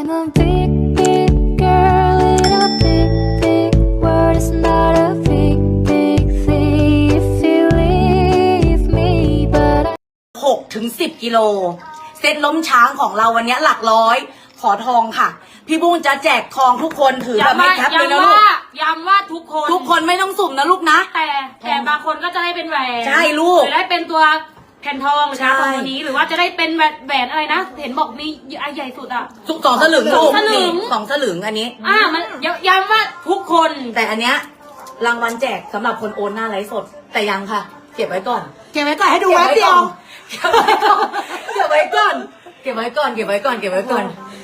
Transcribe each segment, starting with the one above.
I'm a big, big girl in a big, big world. It's not a big, big thing if you leave me, but I 6-10 กิโลเซตล้มช้างของเราวันนี้หลักร้อยขอทองค่ะพี่บุ้งจะแจกทองทุกคนถือแบบไม่แคปเลยนะลูกย้ำว่าทุกคนไม่ต้องสุ่มนะลูกนะแต่บางคนก็จะได้เป็นแหวนใช่ลูกหรือได้เป็นตัวแผ่นทองหรือทองตัวนี้หรือว่าจะได้เป็นแหวนอะไรนะเห็นบอกมีอันใหญ่สุดอ่ะ 2 สลึงลูก2 สลึงอันนี้มันย้ำว่าทุกคนแต่อันเนี้ยรางวัลแจกสำหรับคนโอนหน้าไลฟ์สดแต่ยังค่ะเก็บไว้ก่อนให้ดูแป๊บเดียวเก็บไว้ก่อนเก็บไว้ก่อนเก็บไว้ก่อนเก็บไว้ก่อน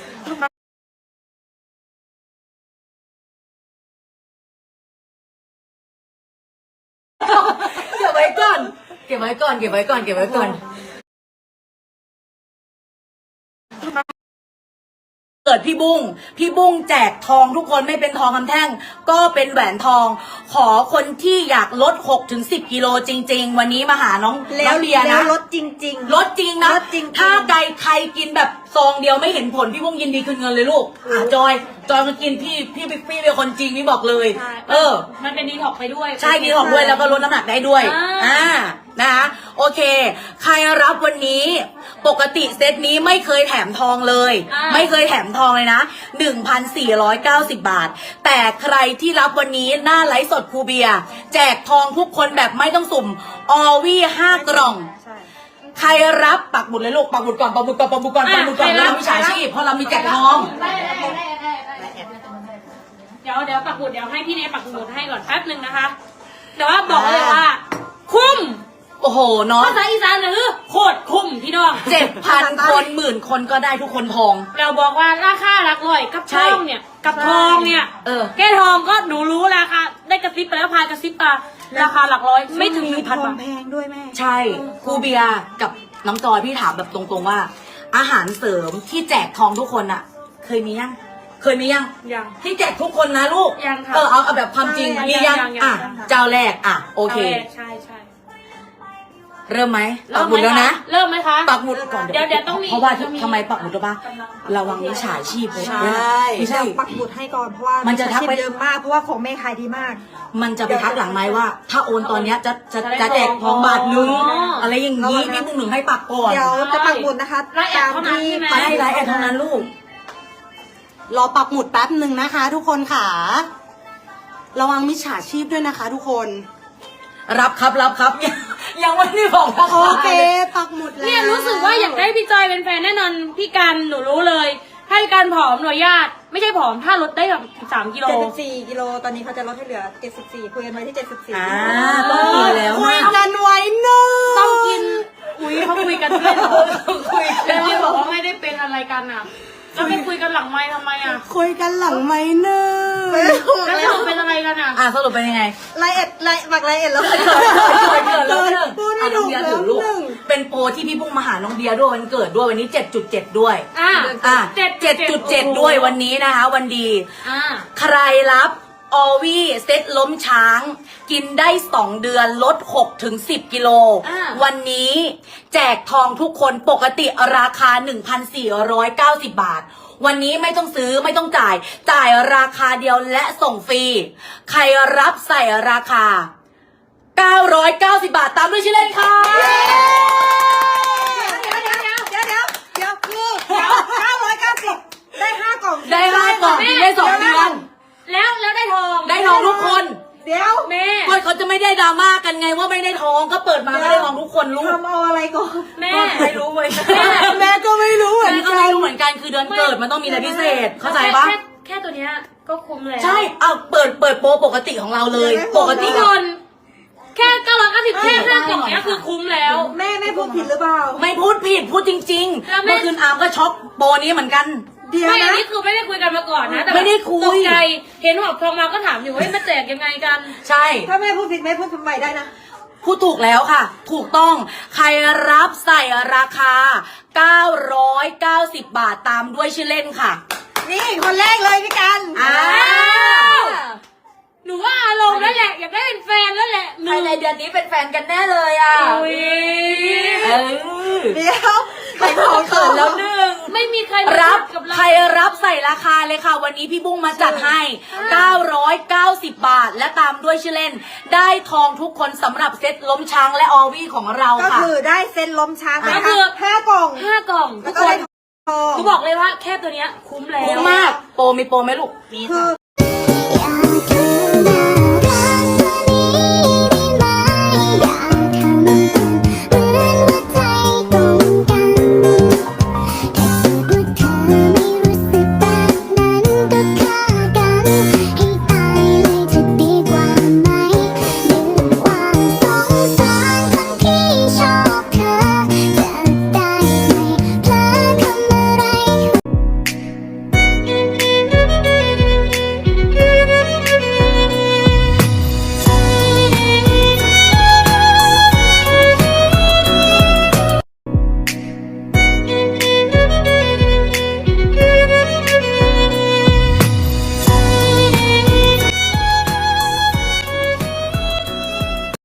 เก็บไว้ก่อนเก็บไว้ก่อนเก็บไว้ก่อนเก็บไว้ก่อนเกิดพี่บุ้งแจกทองทุกคนไม่เป็นทองคำแท่งก็เป็นแหวนทองขอคนที่อยากลด 6-10 กิโลจริงๆวันนี้มาหาน้องเบียร์นะลดจริงลดจริงนะถ้าใครกินแบบซองเดียวไม่เห็นผลพี่บุ้งยินดีคืนเงินเลยลูกจอยมากินพี่เป็นคนจริงนี่บอกเลยมันเป็นดีท็อกไปด้วยใช่ดีท็อกด้วยแล้วก็ลดน้ำหนักได้ด้วยนะคะโอเคใครรับวันนี้ปกติเซตนี้ไม่เคยแถมทองเลยไม่เคยแถมทองเลยนะ 1,490 บาทแต่ใครที่รับวันนี้หน้าไลฟ์สดครูเบียร์แจกทองทุกคนแบบไม่ต้องสุ่มออวี่5 กล่องใครรับปักหมุดเลยลูกปักหมุดก่อนแล้วมีฉาชีพเพราะเรามีแจกทองเดี๋ยวปักหมุดเดี๋ยวให้พี่เนยปักหมุดให้ก่อนแป๊บนึงนะคะแต่ว่าบอกเลยว่าคุ้มโอ้โหเนาะภาษาอีสานคือโคตรคุ้มพี่น้อง 7,000 คน10,000 คนก็ได้ทุกคนทองเราบอกว่าราคาหลักร้อยกับทองเนี่ยแก้ทองก็หนูรู้ราคาได้กระซิบไปแล้วพายกระซิบตาราคาหลักร้อยไม่ถึง 1,000 บาทแพงด้วยแม่ใช่ครูเบียร์กับน้องจอยพี่ถามแบบตรงๆว่าอาหารเสริมที่แจกทองทุกคนอะเคยมียังที่แจกทุกคนนะลูกยังค่ะเอาแบบความจริงมียังเจ้าแรกโอเคใช่เริ่มไหมปักหมุดแล้วนะเริ่มไหมคะปักหมุดก่อนเดี๋ยวต้องมีเพราะว่าทำไมปักหมุดรู้ป่ะระวังมิจฉาชีพใช่ไม่ใช่ปักหมุดให้ก่อนเพราะว่ามันจะทักไปเยอะมากเพราะว่าของแม่ขายดีมากมันจะไปทักหลังไม้ว่าถ้าโอนตอนเนี้ยจะแจกทองบาทนึงอะไรอย่างนี้พี่บุ้งหนึ่งให้ปักก่อนเดี๋ยวจะปักหมุดนะคะตามที่ไลน์แอดเท่านั้นลูกรอปักหมุดแป๊บหนึ่งนะคะทุกคนค่ะระวังมิจฉาชีพด้วยนะคะทุกคนรับครับยังไม่ได้บอกนะโอเคปักหมุดแล้วเนี่ยรู้สึกว่าอยากได้พี่จอยเป็นแฟนแน่นอนพี่กันหนูรู้เลยถ้าพี่กันผอมหน่วยญาติไม่ใช่ผอมถ้าลดได้แบบ3 กิโล 74 กิโลตอนนี้เขาจะลดให้เหลือ74คุยกันไว้ที่74 ต้องกินแล้วคุยกันไว้เนอะต้องกินเขาคุยกันด้วยเหรอแล้วพี่บอกว่าไม่ได้เป็นอะไรกันอ่ะแล้วไม่คุยกันหลังไมค์ทำไมอ่ะคุยกันหลังไมค์เนอะแล้วสรุปเป็นอะไรกันอ่ะสรุปเป็นยังไงไลน์เอ็ดแล้วพูดไม่ถูกแล้วเป็นโปรที่พี่พุ่งมาหาน้องเบียร์ด้วยวันเกิดด้วยวันนี้ 7.7 ด้วย7.7 ด้วยวันนี้นะคะวันดีใครรับออวี่เซตล้มช้างกินได้2 เดือนลด 6-10 กิโลวันนี้แจกทองทุกคนปกติราคา 1,490 บาทวันนี้ไม่ต้องซื้อไม่ต้องจ่ายราคาเดียวและส่งฟรีใครรับใส่ราคา990 บาทตามด้วยชื่อเล่นค่ะเดี๋ยวคือ990ได้5 กล่องได้2 เดือนแล้วได้ทองทุกคนเดี๋ยวแม่เขาจะไม่ได้ดราม่ากันไงว่าไม่ได้ทองก็เปิดมาไม่ได้ทองทุกคนรู้ทำเอาอะไรก่อนแม่ไม่รู้เลยแม่ก็ไม่รู้เหมือนกันคือเดือนเกิดมันต้องมีอะไรพิเศษเข้าใจปะแค่ตัวเนี้ยก็คุ้มแล้วใช่เปิดโปรปกติของเราเลยปกติคนแค่990แค่5 กล่องเนี้ยคือคุ้มแล้วแม่พูดผิดหรือเปล่าไม่พูดผิดพูดจริงๆเมื่อคืนอาร์มก็ช็อกโปรนี้เหมือนกันไม่อันนี้คือไม่ได้คุยกันมาก่อนนะแต่ไม่ได้คุยตกใจเห็นหอบทองมาก็ถามอยู่ว่ามาแจกยังไงกันใช่ถ้าแม่พูดผิดแม่พูดใหม่ได้นะพูดถูกแล้วค่ะถูกต้องใครรับใส่ราคา990 บาทตามด้วยชื่อเล่นค่ะนี่คนแรกเลยพี่กันหนูว่าอารมณ์นั่นแหละอยากได้เป็นแฟนนั่นแหละภายในเดือนนี้เป็นแฟนกันแน่เลยเดี๋ยวใครพอเขินแล้ว1 ไม่มีใครรับกับเราใครรับใส่ราคาเลยค่ะ วันนี้พี่บุ้งมาจัดให้ 990 บาท และตามด้วยชื่อเล่น ได้ทองทุกคนสำหรับเซ็ตล้มช้างและออวี่ของเราก็ค่ะคือได้เซ็นล้มช้างไปก็คือ 5 กล่อง 5 กล่องแล้ทุวกก็คได้นทองหนูบอกเลยว่าแค่ตัวเนี้ยคุ้มแล้วคุ้มมาก โปรมีโปรไหมลูกคือ Yeah.